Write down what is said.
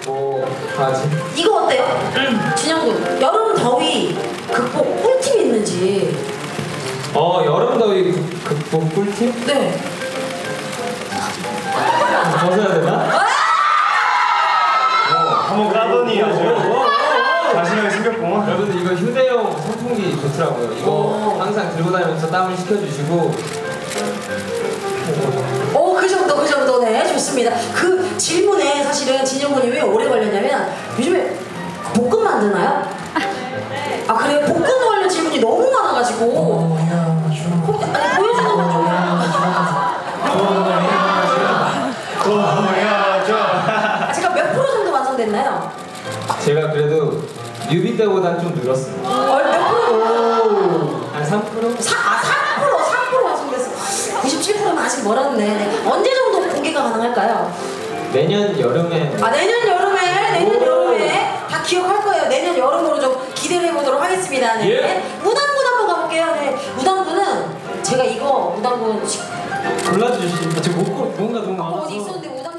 뭐 하지? 이거 어때요? 준영군, 여름 더위 극복 꿀팁 있는지. 여름 더위 극복 꿀팁? 네. 벗어야 되나? 한번 까더니 아주 자신감이 생겼구만. 여러분들 이거 휴대용 선풍기 좋더라고요. 이거 항상 들고 다니면서 땀을 식혀주시고. 그 정도네. 좋습니다. 그 질문에 사실은 진영군이 왜 오래 걸렸냐면 요즘에 볶음 만드나요? 아 그래요? 볶음 관련 질문이 너무 많아가지고. 아니 보여주는 거 좀. 아, 제가 몇 프로 정도 완성됐나요? 제가 그래도 뮤비 때보다 좀 늘었습니다. 몇 프로? 한 3%? 3% 완성됐어. 97%는 아직 멀었네. 네. 언제 정도 공개가 가능할까요? 내년 여름에. 내년 여름에 다 기억할 거예요. 내년 여름으로 좀 기대를 해보도록 하겠습니다. 네. 예. 무당군 한번 가볼게요. 네. 무당군은 제가 이거 무당군 골라주시면. 저 뭔가 너무 어디 많아서. 있었는데 무당